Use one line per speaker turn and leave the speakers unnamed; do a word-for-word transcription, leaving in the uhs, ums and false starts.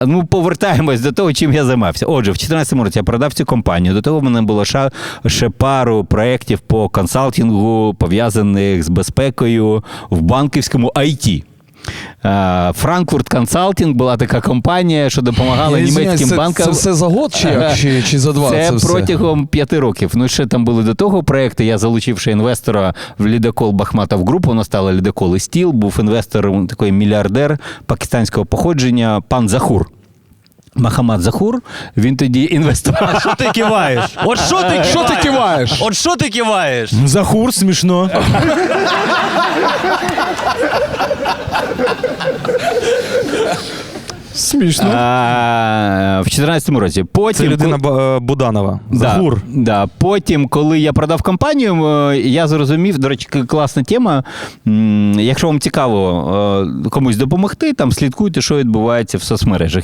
Ну, повертаємось до того, чим я займався. Отже, в чотирнадцятому році я продав цю компанію. До того в мене було ще, ще пару проєктів по консалтингу, пов'язаних з безпекою в банківському ай ті. Франкфурт Консалтинг була така компанія, що допомагала
Я
німецьким
извиняюсь,
банкам.
Це, це все за год чи, як? чи, чи за два?
Це,
Це, все?
протягом п'яти років. Ну, ще там були до того проекти. Я залучив ще інвестора в лідокол Бахматов Груп, воно стало лідокол і стіл. Був інвестор, такий мільярдер пакистанського походження, пан Захур. Махамад Захур, він тоді інвестував.
А що ти киваєш? От що ти киваєш?
Що ти киваєш?
От що ти киваєш?
Захур, смішно.
Смішно.
А, в чотирнадцятому році. Потім,
Це людина
коли-
Ба- Буданова.
Да,
Захур.
да. Потім, коли я продав компанію, е, я зрозумів, до речі, к- класна тема. М, Якщо вам цікаво е, комусь допомогти, там слідкуйте, що відбувається в соцмережах.